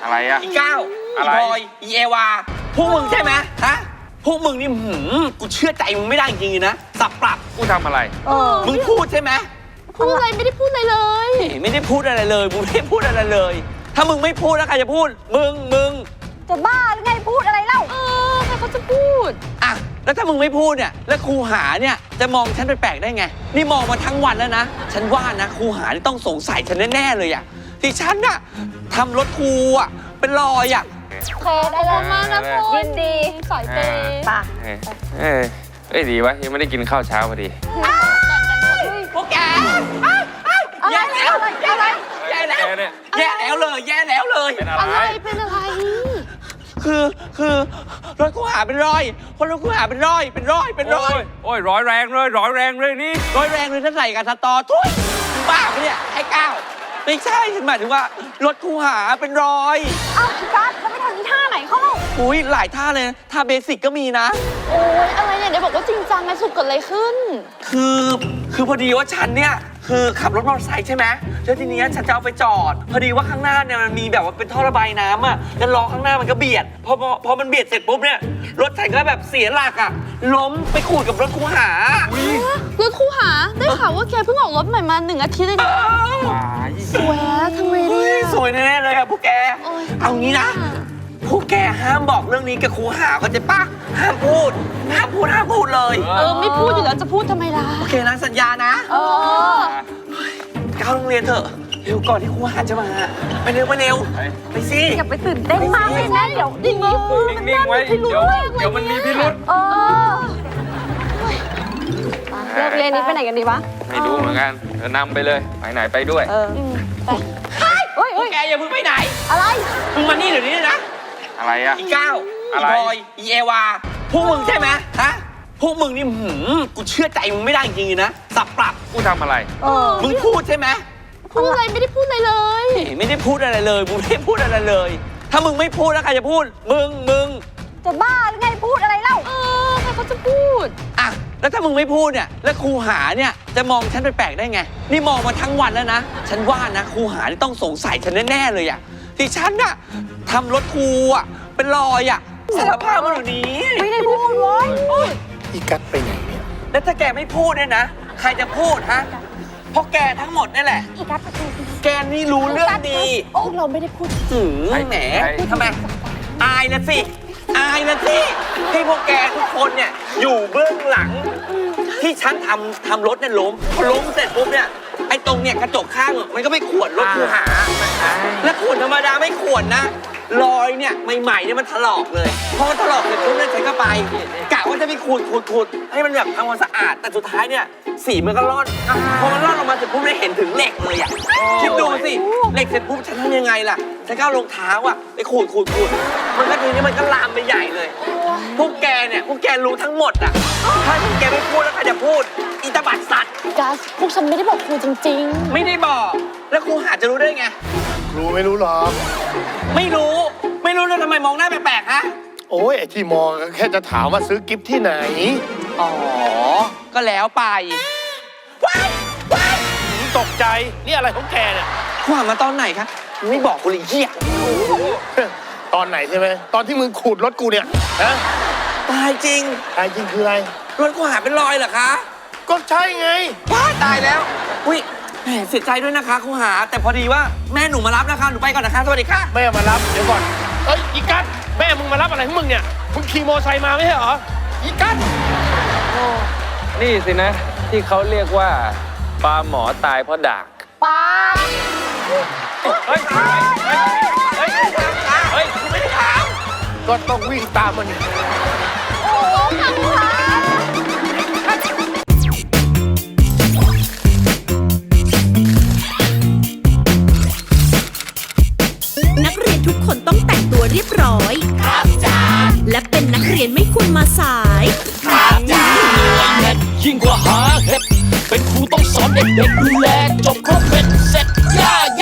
อะไรอะอีก้าวอีบอยอีเอวาพวกมึงใช่ไหมฮะพวกมึงนี่กูเชื่อใจมึงไม่ได้จริงๆนะสับปรับกูทำอะไรมึงพูดใช่ไหมพูดอะไรไม่ได้พูดอะไรเลยไม่ได้พูดอะไรเลยมึงไม่ได้พูดอะไรเลยถ้ามึงไม่พูดแล้วใครจะพูดมึงจะบ้าหรือไงพูดอะไรเล่าใครเขาจะพูดอ่ะแล้วถ้ามึงไม่พูดเนี่ยแล้วครูหาเนี่ยจะมองฉันแปลกๆได้ไงนี่มองมาทั้งวันแล้วนะฉันว่านะครูหานี่ต้องสงสัยฉันแน่ๆเลยอ่ะที่ฉันน่ะทำรถครูอ่ะเป็นรอยอ่ะเคได้แล้วมากนะคุณยินดีสอยเตย์ป่ะดีวะยังไม่ได้กินข้าวเช้าพอดีพวกแกแย่แล้วแย่แล้วแย่แล้วเลยเป็นอะไรคือรถกูหาเป็นรอยคนรถกูหาเป็นรอยโอ้ยร้อยแรงเลยนี่ร้อยแรงเลยถ้าใส่กับสตอทุยบ้าปะเนี่ยไอ้ก้าวไม่ใช่ฉันหมายถึงว่ารถกูหาเป็นรอยพี่กัสแล้วไม่ทำท่าไหนเข้าอุ้ยหลายท่าเลยท่าเบสิกก็มีนะโอ้ยอะไรเนี่ยเดี๋ยวบอกว่าจริงจังไงสุดเกิดอะไรขึ้นคือพอดีว่าฉันเนี่ยคือขับรถมอเตอร์ไซค์ใช่ไหมแล้วทีนี้ฉันจะเอาไปจอดพอดีว่าข้างหน้าเนี่ยมันมีแบบว่าเป็นท่อระบายน้ำอ่ะแล้วล้อข้างหน้ามันก็เบียดพอมันเบียดเสร็จปุ๊บเนี่ยรถฉันก็แบบเสียหลักอ่ะล้มไปขูดกับรถคูหารถคูหาได้ข่าวว่าแกเพิ่งออกรถใหม่มา1 อาทิตย์เลยนะสวยทำไมเนี่ยสวยแน่ๆเลยอะพวกแกเอางี้นะพวกแกห้ามบอกเรื่องนี้กับครูหาเข้าใจปะห้ามพูดเลยไม่พูดอยู่แล้วจะพูดทำไมล่ะโอเคนะสัญญานะก้าวโรงเรียนเถอะเร็วก่อนที่ครูหาจะมาไปเร็วไปสิอย่าไปตื่นเต้นมากเลยนะเดี๋ยวนิ่งไว้เดี๋ยวมันมีพิรุธเลิกเรียนนี้ไปไหนกันดีวะไม่รู้เหมือนกันนำไปเลยไปไหนไปด้วยไปพวกแกอย่าเพิ่งไปไหนอะไรมึงมานี่เดี๋ยวนี้นะอะไรอะอีก้าวอีบอยอีเอวาพวกมึงใช่ไหมฮะพวกมึงนี่กูเชื่อใจมึงไม่ได้จริงๆนะสับปรับกูทำอะไรมึงพูดใช่ไหมพูดอะไรไม่ได้พูดอะไรเลยไม่ได้พูดอะไรเลยมึงไม่ได้พูดอะไรเลยถ้ามึงไม่พูดแล้วใครจะพูดมึงจะบ้าหรือไงพูดอะไรเล่าใครเขาจะพูดอ่ะแล้วถ้ามึงไม่พูดเนี่ยแล้วครูหาเนี่ยจะมองฉันแปลกๆได้ไงนี่มองมาทั้งวันแล้วนะฉันว่านะครูหานี่ต้องสงสัยฉันแน่ๆเลยอ่ะที่ฉันน่ะทำรถครูอ่ะเป็นรอยอ่ะสารภาพมาอยู่นี้ไม่ได้พูดเว้ยอีกัดไปไหนเนี่ยแล้วถ้าแกไม่พูดเนี่ยนะใครจะพูดฮะเพราะแกทั้งหมดนี่แหละอีกัดแกนี่รู้เรื่องดีพวกเราไม่ได้พูดแหมทำไมอายนะสิที่พวกแกทุกคนเนี่ยอยู่เบื้องหลังที่ฉันทำรถเนี่ยล้มเสร็จปุ๊บเนี่ยไอ้ตรงเนี่ยกระจกข้างมันก็ไม่ขวนรถคูหาและขวนธรรมดาไม่ขวนนะรอยเนี่ยใหม่ๆเนี่ยมันถลอกเลยพอมันถลอกเสร็จปุ๊บเนี่ยฉันก็ไปกะว่าจะไปขูดให้มันแบบทำความสะอาดแต่สุดท้ายเนี่ยสีมันก็ร่อนพอมันร่อนออกมาเสร็จปุ๊บได้เห็นถึงเหล็กเลยอ่ะคิดดูสิเหล็กเสร็จปุ๊บฉันทำยังไงล่ะฉันก็เอารองเท้าอ่ะไปขูดมันก็ทีนี้มันก็ลามไปใหญ่เลยพวกแกรู้ทั้งหมดอ่ะถ้าพวกแกไม่พูดแล้วใครจะพูดอีตาบัดสัตว์กัสพวกฉันไม่ได้บอกครูจริงๆไม่ได้บอกแล้วครูหาจะรู้ได้ไงครูไม่รู้หรอกไม่รู้แล้วทำไมมองหน้าแปลกๆฮะโอ้ยไอ้ที่มองแค่จะถามว่าซื้อกิฟต์ที่ไหนอ๋อก็แล้วไปว้ายตกใจนี่อะไรของแกเนี่ยครูหามาตอนไหนคะไม่บอกกูเลยเหี้ยตอนไหนใช่ไหมตอนที่มึงขูดรถกูเนี่ยฮะตายจริงคืออะไรรถกูหาเป็นรอยเหรอคะก็ใช่ไงว้าตายแล้วอุ้ยแหมเสียใจด้วยนะคะครูหาแต่พอดีว่าแม่หนูมารับนะคะหนูไปก่อนนะคะสวัสดีค่ะแม่มารับเดี๋ยวก่อนอีกัสแม่มึงมารับอะไรของมึงเนี่ยมึงขี่มอไซค์มาไม่ใช่เหรออีกัสนี่สินะที่เขาเรียกว่าปลาหมอตายเพราะดากปลาเฮ้ยกูไม่ได้ถามก็ต้องวิ่งตามมันโอ้ขังขานักเรียนทุกคนต้องแต่งตัวเรียบร้อยครับจ้าและเป็นนักเรียนไม่ควรมาสายครับจ้ายิ่งกว่าหาเห็ดเป็นครูต้องสอนเด็กๆดูแล